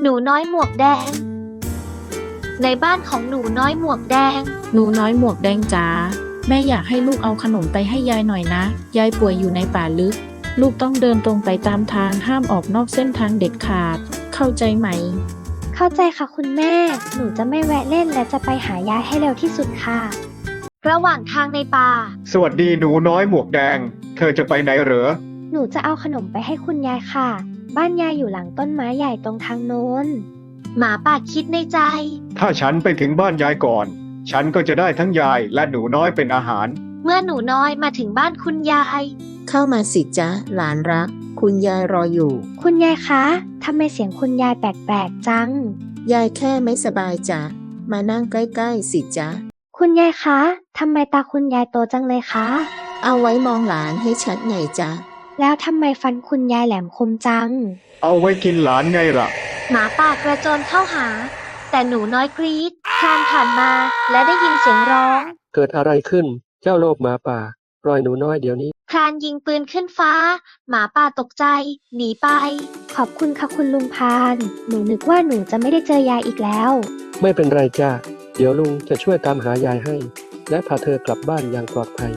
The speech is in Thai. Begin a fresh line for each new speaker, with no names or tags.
หนูน้อยหมวกแดงในบ้านของหนูน้อยหมวกแดง
หนูน้อยหมวกแดงจ๋าแม่อยากให้ลูกเอาขนมไปให้ยายหน่อยนะยายป่วยอยู่ในป่าลึกลูกต้องเดินตรงไปตามทางห้ามออกนอกเส้นทางเด็ดขาดเข้าใจไหม
เข้าใจค่ะคุณแม่ หนูจะไม่แวะเล่นและจะไปหายายให้เร็วที่สุดค่ะ
ระหว่างทางในป่า
สวัสดีหนูน้อยหมวกแดง เธอจะไปไหนเหรอ
หนูจะเอาขนมไปให้คุณยายค่ะ บ้านยายอยู่หลังต้นไม้ใหญ่ตรงทางโน้น
หมาป่าคิดในใจ
ถ้าฉันไปถึงบ้านยายก่อน ฉันก็จะได้ทั้งยายและหนูน้อยเป็นอาหาร
เมื่อหนูน้อยมาถึงบ้านคุณยาย
เข้ามาสิจ๊ะหลานรักคุณยายรออยู่
คุณยายคะทำไมเสียงคุณยายแปลกๆจัง
ยายแค่ไม่สบายจ้ะมานั่งใกล้ๆสิจ๊ะ
คุณยายคะทำไมตาคุณยายโตจังเลยคะ
เอาไว้มองหลานให้ชัดไงจ๊ะ
แล้วทำไมฟันคุณยายแหลมคมจัง
เอาไว้กินหลานไงล่ะ
หมาป่ากระโจนเข้าหา แต่หนูน้อยกรีดคลานผ่านมาและได้ยินเสียงร้อง
เกิดอะไรขึ้น เจ้าโลภหมาป่าปล่อยหนูน้อยเดี๋ยวนี้
คลานยิงปืนขึ้นฟ้า หมาป่าตกใจ หนีไป
ขอบคุณค่ะคุณลุงพาน หนูนึกว่าหนูจะไม่ได้เจอยายอีกแล้ว
ไม่เป็นไรจ้าเดี๋ยวลุงจะช่วยตามหายายให้ และพาเธอกลับบ้านอย่างปลอดภัย